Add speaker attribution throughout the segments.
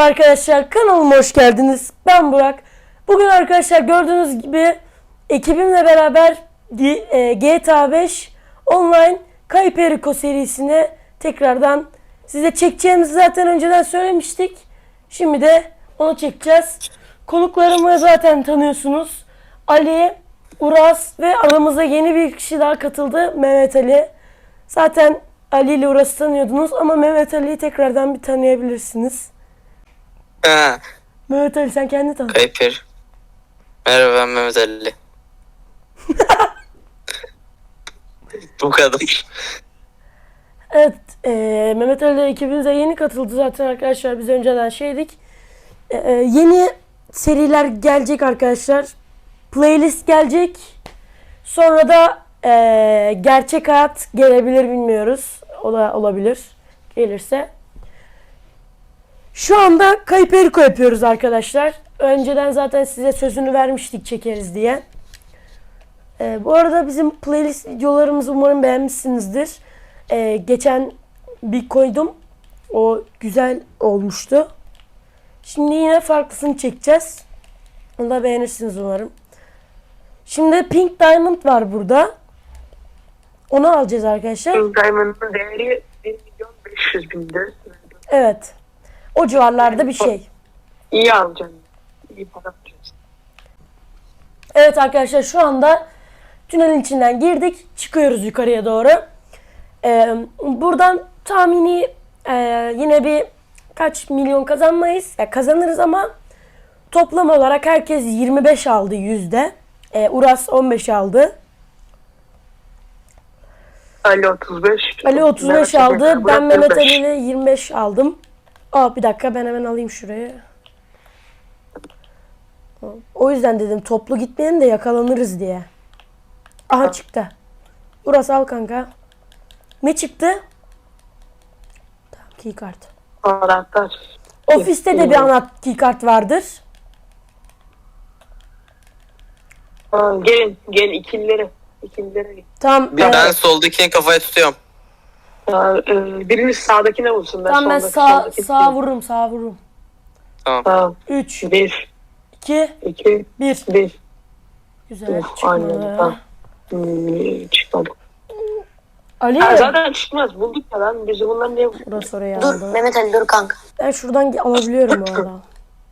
Speaker 1: Arkadaşlar kanalıma hoş geldiniz. Ben Burak. Bugün arkadaşlar gördüğünüz gibi ekibimle beraber GTA 5 Online Kayıp Eriko serisine tekrardan size çekeceğimizi zaten önceden söylemiştik. Şimdi de onu çekeceğiz. Konuklarımı zaten tanıyorsunuz. Ali, Uras ve aramıza yeni bir kişi daha katıldı. Mehmet Ali. Zaten Ali ile Uras'ı tanıyordunuz ama Mehmet Ali'yi tekrardan bir tanıyabilirsiniz.
Speaker 2: Ha,
Speaker 1: Mehmet Ali sen kendini tanı.
Speaker 2: Kayper. Merhaba, ben Mehmet Ali. Bu kadar.
Speaker 1: Evet, Mehmet Ali ekibimize yeni katıldı zaten arkadaşlar. Biz önceden şeydik. Yeni seriler gelecek arkadaşlar. Playlist gelecek. Sonra da gerçek hayat gelebilir, bilmiyoruz. O da olabilir. Gelirse. Şu anda Kayıp Eriko yapıyoruz arkadaşlar. Önceden zaten size sözünü vermiştik çekeriz diye. Bu arada bizim playlist videolarımızı umarım beğenmişsinizdir. Geçen bir koydum. O güzel olmuştu. Şimdi yine farklısını çekeceğiz. Onu da beğenirsiniz umarım. Şimdi Pink Diamond var burada. Onu alacağız arkadaşlar.
Speaker 3: Pink Diamond'ın değeri 1.500.000'dir.
Speaker 1: Evet. O civarlarda bir şey.
Speaker 3: İyi alacaksın. İyi para alacaksın.
Speaker 1: Evet arkadaşlar şu anda tünelin içinden girdik. Çıkıyoruz yukarıya doğru. Buradan tahmini yine bir kaç milyon kazanmayız. Ya kazanırız ama toplam olarak herkes 25 aldı yüzde. Uras 15 aldı.
Speaker 3: Ali 35.
Speaker 1: Ali 35 aldı. Ben Mehmet Ali ile 25 aldım. Bir dakika ben hemen alayım şurayı. O yüzden dedim toplu gitmeyelim de yakalanırız diye. Aha çıktı. Uras al kanka. Ne çıktı? Tamam, keycard.
Speaker 3: Anahtar.
Speaker 1: Ofiste de bir keycard vardır.
Speaker 3: Gelin ikililere. İkililere git.
Speaker 1: Tamam.
Speaker 2: Ben soldakini kafaya tutuyorum.
Speaker 3: Biriniz sağdakine vursun.
Speaker 1: Tamam ben
Speaker 3: soldaki
Speaker 1: sağa vururum, sağa vururum.
Speaker 3: Tamam.
Speaker 1: 3
Speaker 3: 1,
Speaker 1: 2
Speaker 3: 2,
Speaker 1: 1.
Speaker 3: 1.
Speaker 1: Güzel.
Speaker 3: Aynen.
Speaker 1: Çıkmadı.
Speaker 3: Tamam. Çıkmadı.
Speaker 1: Ali.
Speaker 3: Zaten çıkmaz. Bulduk ya lan. Biz bunlar niye...
Speaker 1: Burası oraya
Speaker 4: Dur
Speaker 1: aldı.
Speaker 4: Mehmet Ali dur kanka.
Speaker 1: Ben şuradan alabiliyorum bu arada.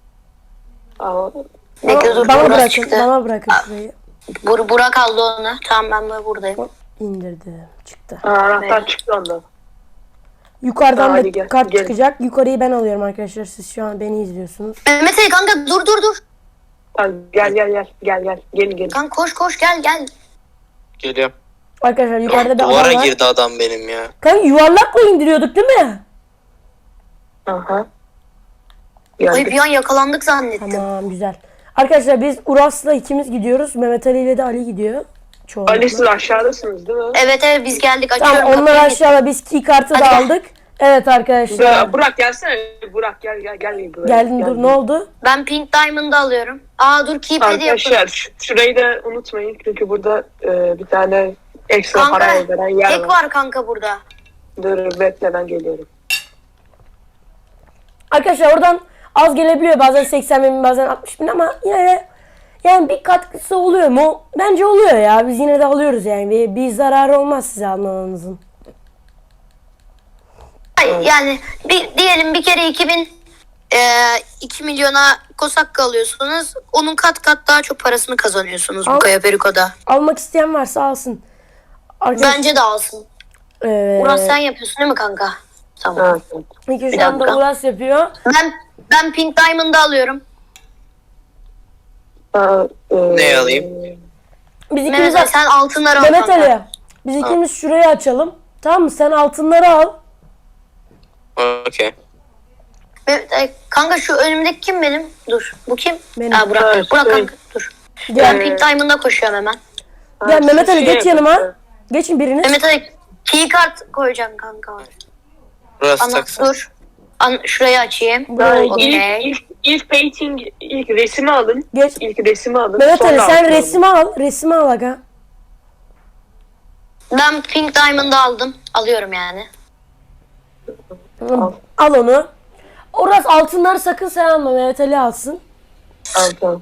Speaker 4: Bekle dur
Speaker 1: Bana
Speaker 4: burası
Speaker 1: bırakın,
Speaker 4: çıktı.
Speaker 1: bana bırakın şurayı.
Speaker 4: Burak aldı onu. Tamam ben buradayım.
Speaker 1: İndirdim. Çıktı.
Speaker 3: Anahtar çıktı ondan.
Speaker 1: Yukarıdan
Speaker 3: Hadi
Speaker 1: da
Speaker 3: gel,
Speaker 1: kart
Speaker 3: gel.
Speaker 1: çıkacak. Yukarıyı ben alıyorum arkadaşlar. Siz şu an beni izliyorsunuz.
Speaker 4: Mehmet Ali kanka dur.
Speaker 3: Tamam, gel. Gelin.
Speaker 4: Kanka koş gel.
Speaker 2: Geliyorum.
Speaker 1: Arkadaşlar yukarıda bir
Speaker 2: Duvara
Speaker 1: adam var.
Speaker 2: girdi adam benim ya.
Speaker 1: Kanka yuvarlakla indiriyorduk değil mi?
Speaker 3: Aha.
Speaker 4: Ay bir an yakalandık zannettim.
Speaker 1: Tamam güzel. Arkadaşlar biz Uras'la ikimiz gidiyoruz. Mehmet Ali ile de Ali gidiyor. Çoğunlukla.
Speaker 3: Ali siz aşağıdasınız değil mi?
Speaker 4: Evet biz geldik açıyorum.
Speaker 1: Tamam onlar
Speaker 4: kapıyı.
Speaker 1: aşağıda, biz keycard'ı da
Speaker 4: Hadi gel.
Speaker 1: aldık. Evet arkadaşlar.
Speaker 3: Burak gelsene. Burak gel. Buraya.
Speaker 1: Geldim
Speaker 3: Gel.
Speaker 1: dur, ne oldu?
Speaker 4: Ben Pink Diamond'ı alıyorum. Dur keypad'i yapın.
Speaker 3: Arkadaşlar şurayı da unutmayın çünkü burada bir tane ekstra
Speaker 4: Kanka
Speaker 3: para veren yer
Speaker 4: tek
Speaker 3: var.
Speaker 4: var kanka burada.
Speaker 3: Dur bekle ben geliyorum.
Speaker 1: Arkadaşlar oradan az gelebiliyor. Bazen 80 bin bazen 60 bin ama yine de yani bir katkısı oluyor mu? Bence oluyor ya. Biz yine de alıyoruz yani. Bir zararı olmaz size almanızın.
Speaker 4: Yani diyelim bir kere 2 milyona kosak alıyorsunuz. Onun kat daha çok parasını kazanıyorsunuz bu Kaya Periko'da.
Speaker 1: Almak isteyen varsa alsın. Arkadaşlar,
Speaker 4: Bence de alsın. Uras sen yapıyorsun değil mi kanka? Tamam.
Speaker 3: Ha.
Speaker 1: İlk
Speaker 4: bir
Speaker 1: şu anda
Speaker 4: dakika.
Speaker 1: Uras yapıyor.
Speaker 4: Ben Pink Diamond'ı alıyorum.
Speaker 2: Ne alayım?
Speaker 1: Biz ikimiz
Speaker 4: Mehmet Ali sen altınları al
Speaker 1: Mehmet
Speaker 4: kanka.
Speaker 1: Ali. Biz ikimiz şurayı açalım. Tamam mı? Sen altınları al.
Speaker 2: Okey.
Speaker 4: Mehmet Ali, kanka şu önümdeki kim benim? Dur. Bu kim?
Speaker 1: Benim.
Speaker 4: Burak.
Speaker 3: Evet,
Speaker 4: Burak
Speaker 3: evet.
Speaker 4: kanka dur.
Speaker 1: Gel.
Speaker 4: Ben Pink Diamond'a koşuyorum hemen.
Speaker 1: Gel Mehmet Ali,
Speaker 3: Şey
Speaker 1: geç yanıma. Geçin biriniz.
Speaker 4: Mehmet Ali keycard koyacağım kanka.
Speaker 2: Burası taksın.
Speaker 4: Dur. Şurayı açayım. Okey.
Speaker 3: İlk painting, ilk resmi alın.
Speaker 1: Geç.
Speaker 3: İlk resmi alın.
Speaker 1: Mehmet Ali
Speaker 3: sonra
Speaker 1: sen
Speaker 3: altını
Speaker 1: resmi al. Resmi al aga.
Speaker 4: Ben Pink Diamond'ı aldım. Alıyorum yani.
Speaker 1: Al onu. Uras altınları sakın sen alma. Mehmet Ali alsın.
Speaker 3: Tamam tamam.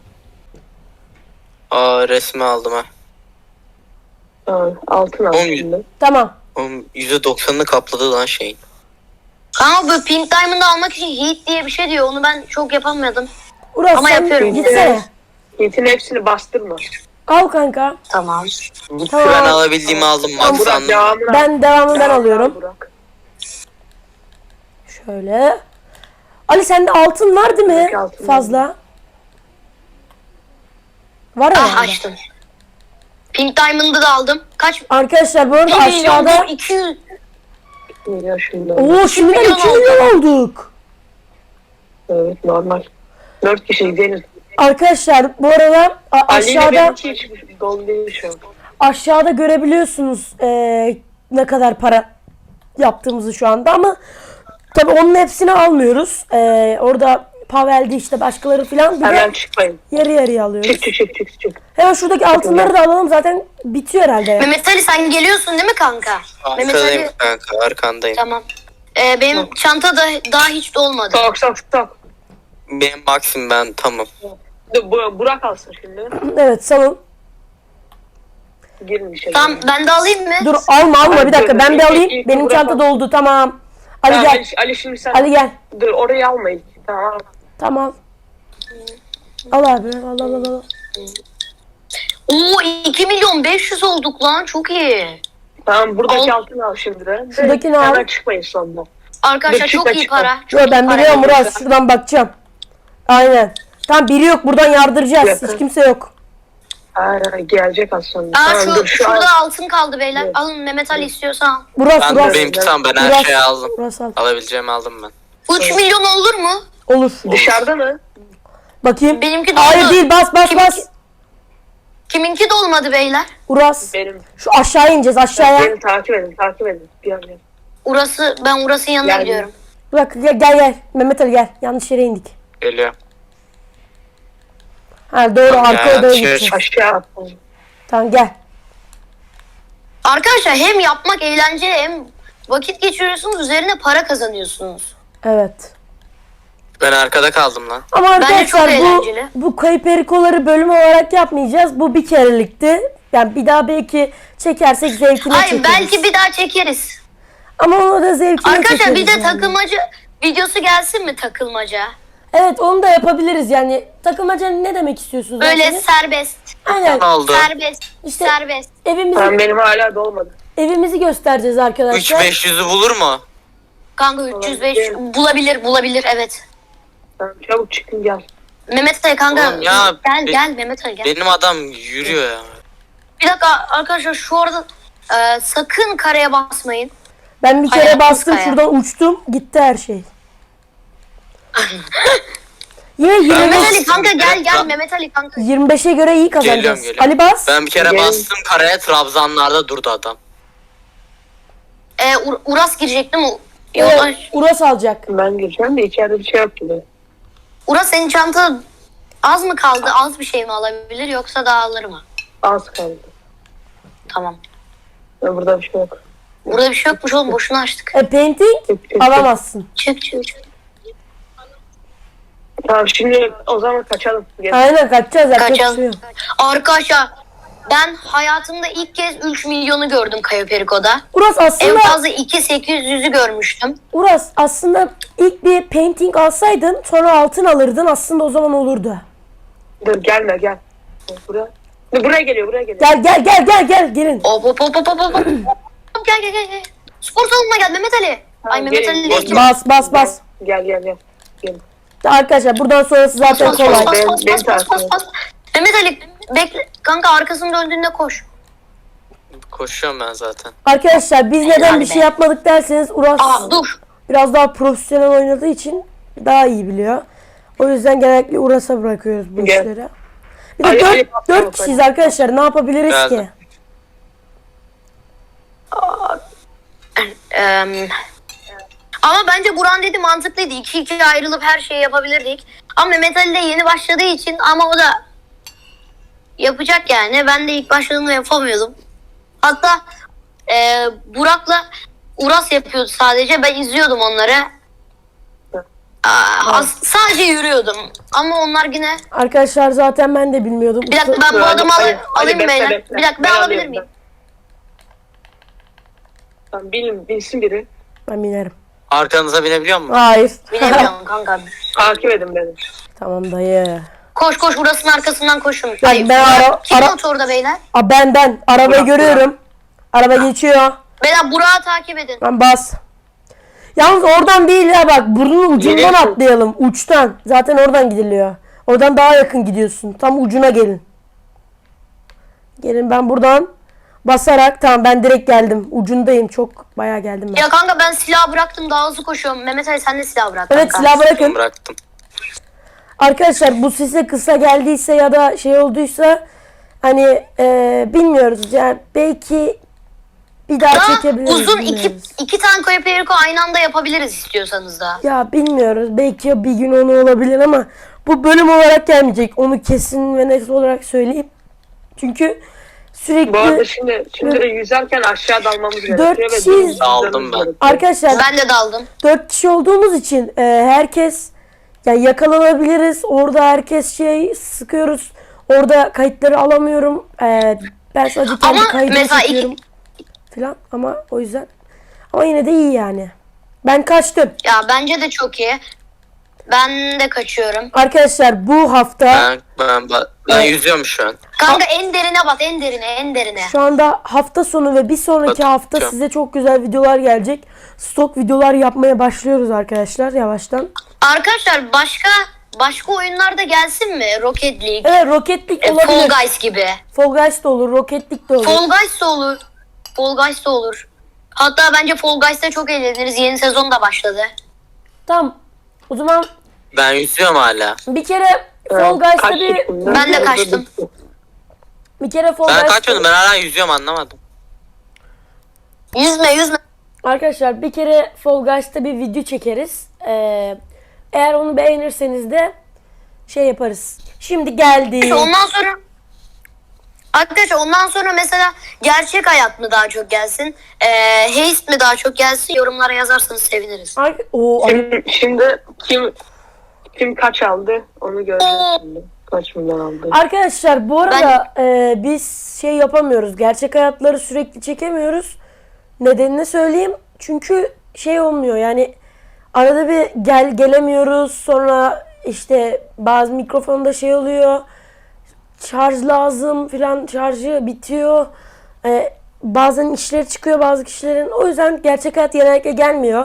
Speaker 2: Aa resmi aldım ha.
Speaker 3: Tamam. Altın al
Speaker 2: Oğlum,
Speaker 1: Tamam.
Speaker 3: şimdi.
Speaker 2: Oğlum %90'ını kapladı lan şeyin.
Speaker 4: Kanka bu Pink Diamond'ı almak için Heat diye bir şey diyor. Onu ben çok yapamıyordum.
Speaker 1: Uras
Speaker 4: Ama
Speaker 1: sen
Speaker 4: yapıyorum.
Speaker 1: gitsene.
Speaker 3: Yiğit'in hepsini bastırma.
Speaker 1: Al kanka.
Speaker 4: Tamam.
Speaker 1: Tamam.
Speaker 2: Ben alabildiğimi aldım
Speaker 3: Burak
Speaker 2: maksandım.
Speaker 3: devamını al.
Speaker 1: Ben devamını ben
Speaker 3: Devamını al
Speaker 1: alıyorum.
Speaker 3: Burak.
Speaker 1: Şöyle. Ali sende altın var değil mi?
Speaker 3: Buradaki altın
Speaker 1: Fazla. Var ya.
Speaker 4: Ah açtım. Pink Diamond'ı da aldım. Kaç?
Speaker 1: Arkadaşlar bu arada
Speaker 4: 2 milyon
Speaker 1: aşağıda.
Speaker 4: 200.
Speaker 3: Ya şimdi.
Speaker 1: Oo şimdiden
Speaker 4: milyon
Speaker 1: 2 milyon olduk.
Speaker 3: Evet normal. 4 kişi gidelim.
Speaker 1: Arkadaşlar bu arada
Speaker 3: Ali ile
Speaker 1: aşağıda
Speaker 3: benimki hiç dolu değil şu an.
Speaker 1: aşağıda görebiliyorsunuz ne kadar para yaptığımızı şu anda ama tabi onun hepsini almıyoruz. Orada Pavel'di işte başkaları falan bir
Speaker 3: Hemen
Speaker 1: de
Speaker 3: çıkmayın.
Speaker 1: yarı yarıya alıyoruz.
Speaker 3: Çık.
Speaker 1: Hemen şuradaki altınları da alalım zaten bitiyor herhalde.
Speaker 4: Mehmet Ali sen geliyorsun değil mi kanka? Mehmet
Speaker 2: Arkadayım
Speaker 4: Ali.
Speaker 2: kanka arkandayım.
Speaker 4: Tamam. Benim çanta da daha hiç dolmadı.
Speaker 3: Sok.
Speaker 2: Benim maksim ben tamam.
Speaker 3: Dur, Burak alsın şimdi.
Speaker 1: Evet salın.
Speaker 3: Girin içeri.
Speaker 4: Tamam ben de alayım mı?
Speaker 1: Dur alma bir dakika ben bir
Speaker 3: İlk-
Speaker 1: alayım.
Speaker 3: ilk
Speaker 1: Benim
Speaker 3: Burak
Speaker 1: çanta
Speaker 3: al.
Speaker 1: doldu tamam. Ali
Speaker 3: Tamam,
Speaker 1: gel.
Speaker 3: Ali şimdi sen.
Speaker 1: Ali gel.
Speaker 3: Dur orayı alma ilk. Tamam.
Speaker 1: Tamam. Al abi al.
Speaker 4: Oo 2 milyon 500 olduk lan çok iyi.
Speaker 3: Tamam buradaki
Speaker 4: Al.
Speaker 3: altını al şimdi de.
Speaker 1: Şuradakini al.
Speaker 3: Hemen çıkmayın sonunda.
Speaker 4: Arkadaşlar
Speaker 3: Dur,
Speaker 4: çok iyi
Speaker 3: çıkma.
Speaker 4: para.
Speaker 1: Yo
Speaker 4: Çok
Speaker 1: ben
Speaker 4: iyi para.
Speaker 1: biliyorum Murat şuradan bakacağım. Aynen. Tamam biri yok buradan yardıracağız.
Speaker 3: Yakın.
Speaker 1: Hiç kimse yok.
Speaker 3: Hayır gelecek az sonra.
Speaker 4: Aa
Speaker 3: Tamam, dur, şu
Speaker 4: şurada
Speaker 3: an.
Speaker 4: altın kaldı beyler.
Speaker 3: Evet.
Speaker 4: Alın Mehmet Ali istiyorsan al.
Speaker 1: Burası
Speaker 2: Ben
Speaker 1: burası.
Speaker 2: benimki tamam ben her
Speaker 1: Burası.
Speaker 2: şeyi aldım.
Speaker 1: Burası al.
Speaker 2: Alabileceğimi aldım ben.
Speaker 4: 3 milyon olur mu?
Speaker 1: Olur.
Speaker 3: Dışarıda mı?
Speaker 1: Bakayım.
Speaker 4: Benimki doldu.
Speaker 1: Hayır değil bas
Speaker 4: Kiminki? Kiminki dolmadı beyler?
Speaker 1: Uras.
Speaker 3: Benim.
Speaker 1: Şu aşağıya ineceğiz aşağıya.
Speaker 3: Beni takip edin. Bir an gel.
Speaker 4: Ben Uras'ın yanına
Speaker 3: Yani-
Speaker 4: gidiyorum.
Speaker 1: Bak gel. Mehmet Ali gel. Yanlış yere indik.
Speaker 2: Geliyor.
Speaker 1: Ha doğru arkaya doğru
Speaker 2: şey-
Speaker 1: gideceğiz.
Speaker 3: Aşağı attım.
Speaker 1: Tamam gel.
Speaker 4: Arkadaşlar hem yapmak eğlenceli hem vakit geçiriyorsunuz üzerine para kazanıyorsunuz.
Speaker 1: Evet.
Speaker 2: Ben arkada kaldım lan.
Speaker 1: Ama
Speaker 4: Bence çok
Speaker 1: arkadaşlar
Speaker 4: eğlenceli.
Speaker 1: bu kayıp erikoları bölüm olarak yapmayacağız. Bu bir kerelikti. Yani bir daha belki çekersek zevkine
Speaker 4: Hayır
Speaker 1: çekeriz.
Speaker 4: belki bir daha çekeriz.
Speaker 1: Ama onu da zevkine
Speaker 4: Arkadaşlar
Speaker 1: çekeriz.
Speaker 4: bir de
Speaker 1: yani.
Speaker 4: takılmaca videosu gelsin mi takılmaca?
Speaker 1: Evet onu da yapabiliriz yani. Takılmaca ne demek istiyorsunuz?
Speaker 4: Böyle
Speaker 1: zaten?
Speaker 4: serbest.
Speaker 1: Aynen.
Speaker 2: Ne oldu?
Speaker 4: Serbest.
Speaker 1: İşte-
Speaker 4: Serbest.
Speaker 3: Tamam benim hala dolmadı.
Speaker 1: Evimizi göstereceğiz arkadaşlar.
Speaker 2: 3-500'ü bulur mu?
Speaker 4: Kanka 305 bulabilir evet.
Speaker 3: Tamam, çabuk çıkın gel.
Speaker 4: Mehmet Ali kanka
Speaker 2: Oğlum ya,
Speaker 4: gel Mehmet Ali gel.
Speaker 2: Benim adam yürüyor ya.
Speaker 4: Bir dakika arkadaşlar şu arada sakın kareye basmayın.
Speaker 1: Ben bir kere
Speaker 4: Hayatımız
Speaker 1: bastım
Speaker 4: kaya.
Speaker 1: şuradan uçtum. Gitti her şey. Yine
Speaker 4: Mehmet
Speaker 1: 25,
Speaker 4: Ali kanka gel
Speaker 2: Ben-
Speaker 4: Mehmet Ali kanka.
Speaker 1: 25'e göre iyi kazanacağız.
Speaker 2: Geliyorum.
Speaker 1: Ali bas.
Speaker 2: Ben bir kere
Speaker 3: Gel.
Speaker 2: bastım karaya Trabzanlar'da durdu adam.
Speaker 4: Uras girecek değil mi?
Speaker 1: Evet, Uras alacak.
Speaker 3: Ben gireceğim de içeride bir şey yok gibi.
Speaker 4: Uras senin çanta az mı kaldı? Az bir şey mi alabilir yoksa daha alır mı?
Speaker 3: Az kaldı.
Speaker 4: Tamam.
Speaker 3: Burada bir şey yok.
Speaker 4: Burada bir şey yokmuş oğlum boşuna açtık.
Speaker 1: Painting
Speaker 3: Çık.
Speaker 1: alamazsın.
Speaker 4: Çık.
Speaker 3: Tamam şimdi o zaman kaçalım. Gel.
Speaker 1: Aynen kaçacağız. Yapacak bir
Speaker 4: Kaçalım.
Speaker 1: şey yok.
Speaker 4: Arkadaşlar ben hayatımda ilk kez 3 milyonu gördüm Cayo Perico'da.
Speaker 1: Uras
Speaker 4: En
Speaker 1: aslında
Speaker 4: fazla 2.800'ü görmüştüm.
Speaker 1: Uras aslında ilk bir painting alsaydın sonra altın alırdın aslında o zaman olurdu.
Speaker 3: Dur gelme gel. Buraya. Dur, buraya geliyor.
Speaker 1: Gel gelin.
Speaker 4: Hop. Gel. Spor salonuna gel Mehmet Ali. Ay Mehmet
Speaker 3: gelin.
Speaker 4: Ali değil ki.
Speaker 1: Bas.
Speaker 3: Gel. Gel.
Speaker 1: Arkadaşlar buradan sonrası zaten
Speaker 4: Bas,
Speaker 1: kolay.
Speaker 4: bas. Mehmet Ali bekle. Kanka arkasını döndüğünde koş.
Speaker 2: Koşuyorum ben zaten.
Speaker 1: Arkadaşlar biz neden
Speaker 4: Helal
Speaker 1: bir
Speaker 4: be.
Speaker 1: şey yapmadık derseniz Uras
Speaker 4: Dur.
Speaker 1: biraz daha profesyonel oynadığı için daha iyi biliyor. O yüzden genellikle Uras'a bırakıyoruz bu
Speaker 3: Gel.
Speaker 1: işleri. Bir de
Speaker 3: Ali,
Speaker 1: 4
Speaker 3: Ali,
Speaker 1: kişiyiz arkadaşlar. Ne yapabiliriz
Speaker 2: Geldim.
Speaker 1: ki?
Speaker 4: Ama bence Buran dedi mantıklıydı. 2-2 ayrılıp her şeyi yapabilirdik. Ama Mehmet Ali de yeni başladığı için ama o da yapacak yani. Ben de ilk başladığımda yapamıyordum. Hatta Burak'la Uras yapıyordu sadece. Ben izliyordum onları. Sadece yürüyordum. Ama onlar yine...
Speaker 1: Arkadaşlar zaten ben de bilmiyordum.
Speaker 4: Bir dakika ben bu adamı
Speaker 3: Hadi,
Speaker 4: alayım
Speaker 3: bekle,
Speaker 4: beyler.
Speaker 3: bekle.
Speaker 4: Bir dakika ben alabilir miyim?
Speaker 3: Tamam, bilsin biri.
Speaker 1: Ben binerim.
Speaker 2: Arkanıza binebiliyor musun?
Speaker 1: Hayır.
Speaker 4: Bilemiyorum kanka.
Speaker 3: Takip edin beni.
Speaker 1: Tamam dayı.
Speaker 4: Koş koş burasının arkasından koşun.
Speaker 1: Ben
Speaker 4: Kim motorda beyler?
Speaker 1: Ben arabayı
Speaker 3: Burak,
Speaker 1: görüyorum. Araba geçiyor.
Speaker 4: Beyler Burak'ı takip edin.
Speaker 1: Ben bas. Yalnız oradan değil ya, bak burnun ucundan
Speaker 3: Geliyorsun.
Speaker 1: atlayalım. Uçtan. Zaten oradan gidiliyor. Oradan daha yakın gidiyorsun. Tam ucuna gelin. Gelin, ben buradan basarak, tamam ben direkt geldim. Ucundayım. Çok bayağı geldim ben.
Speaker 4: Ya kanka ben silah bıraktım daha hızlı koşuyorum. Mehmet Ali sen de silah bırak
Speaker 1: Evet,
Speaker 4: kanka.
Speaker 1: silah bırakın.
Speaker 2: Bıraktım.
Speaker 1: Arkadaşlar bu size kısa geldiyse ya da şey olduysa hani bilmiyoruz yani, belki bir daha
Speaker 4: Daha
Speaker 1: çekebiliriz.
Speaker 4: uzun
Speaker 1: bilmiyoruz.
Speaker 4: iki tanko Perico aynı anda yapabiliriz istiyorsanız da.
Speaker 1: Ya bilmiyoruz, belki bir gün onu olabilir ama bu bölüm olarak gelmeyecek, onu kesin ve net olarak söyleyeyim. Çünkü
Speaker 3: Bu arada
Speaker 1: sürekli
Speaker 3: şimdi de yüzerken aşağı dalmamız gerekiyor.
Speaker 1: Dört
Speaker 3: ve
Speaker 1: kişi-
Speaker 3: dümdüz
Speaker 2: Daldım
Speaker 3: gitmemiz
Speaker 2: ben.
Speaker 3: gerekiyor.
Speaker 1: arkadaşlar
Speaker 4: Ben de daldım.
Speaker 1: 4 kişi olduğumuz için herkes yani yakalanabiliriz. Orada herkes şey sıkıyoruz. Orada kayıtları alamıyorum. Ben sadece kendi
Speaker 4: Ama
Speaker 1: kaydımı
Speaker 4: mesela
Speaker 1: çekiyorum falan, ama o yüzden. Ama yine de iyi yani. Ben kaçtım.
Speaker 4: Ya bence de çok iyi. Ben de kaçıyorum.
Speaker 1: Arkadaşlar bu hafta
Speaker 2: Ben yüzüyorum şu an.
Speaker 4: Kanka en derine bat en derine en derine.
Speaker 1: şu anda hafta sonu ve bir sonraki
Speaker 2: Bakacağım.
Speaker 1: hafta size çok güzel videolar gelecek. Stok videolar yapmaya başlıyoruz arkadaşlar yavaştan.
Speaker 4: Arkadaşlar başka oyunlar da gelsin mi? Rocket League,
Speaker 1: Evet, Rocket League
Speaker 4: Fall
Speaker 1: olabilir.
Speaker 4: Guys gibi.
Speaker 1: Fall Guys da olur, Rocket League de olur.
Speaker 4: Fall Guys da olur. Fall Guys da olur. Hatta bence Fall Guys'ta çok eğleniriz. Yeni sezon da başladı.
Speaker 1: Tamam. O zaman
Speaker 2: Ben yüzüyorum hala.
Speaker 1: bir kere Fall Guys'ta
Speaker 3: Kaç
Speaker 1: bir
Speaker 3: yaşında?
Speaker 4: Ben de kaçtım.
Speaker 1: Fall
Speaker 2: Ben
Speaker 1: Guys'ta
Speaker 2: kaçmadım, ben hala yüzüyorum, anlamadım.
Speaker 4: Yüzme.
Speaker 1: arkadaşlar bir kere Fall Guys'ta bir video çekeriz. Eğer onu beğenirseniz de şey yaparız. Şimdi geldi.
Speaker 4: Ondan sonra arkadaşlar ondan sonra mesela gerçek hayat mı daha çok gelsin? Heist mi daha çok gelsin? Yorumlara yazarsanız seviniriz.
Speaker 3: Şimdi kim kaç aldı onu göreceğiz şimdi. Kaç milyon aldı.
Speaker 1: Arkadaşlar bu arada biz şey yapamıyoruz. Gerçek hayatları sürekli çekemiyoruz. Nedenini söyleyeyim. Çünkü şey olmuyor yani, arada bir gelemiyoruz. Sonra işte bazı mikrofonda şey oluyor. Şarj lazım filan, şarjı bitiyor. Bazen işleri çıkıyor bazı kişilerin. O yüzden gerçek hayat genellikle gelmiyor.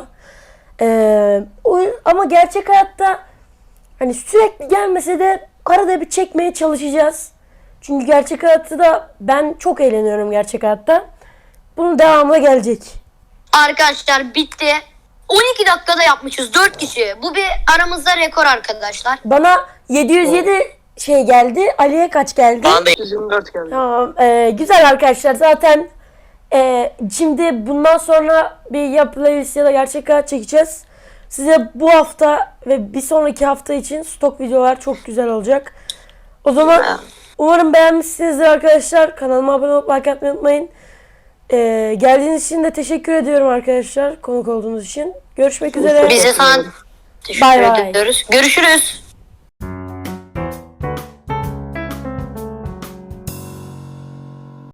Speaker 1: Ama gerçek hayatta hani sürekli gelmese de arada bir çekmeye çalışacağız. Çünkü gerçek hayatta da ben çok eğleniyorum gerçek hayatta. Bunun devamı gelecek.
Speaker 4: Arkadaşlar bitti. 12 dakikada yapmışız 4 kişi. Bu bir aramızda rekor arkadaşlar.
Speaker 1: Bana 707 şey geldi. Ali'ye kaç geldi?
Speaker 2: Bana da
Speaker 3: 124 geldi.
Speaker 1: Tamam. Güzel arkadaşlar. Zaten şimdi bundan sonra bir ya playlist ya da gerçek hayat çekeceğiz. Size bu hafta ve bir sonraki hafta için stok videolar çok güzel olacak. O zaman umarım beğenmişsinizdir arkadaşlar. Kanalıma abone olup like atmayı unutmayın. Geldiğiniz için de teşekkür ediyorum arkadaşlar. Konuk olduğunuz için. Görüşmek üzere.
Speaker 4: Biz de sana teşekkür
Speaker 1: Bay bay.
Speaker 4: ediyoruz. Görüşürüz.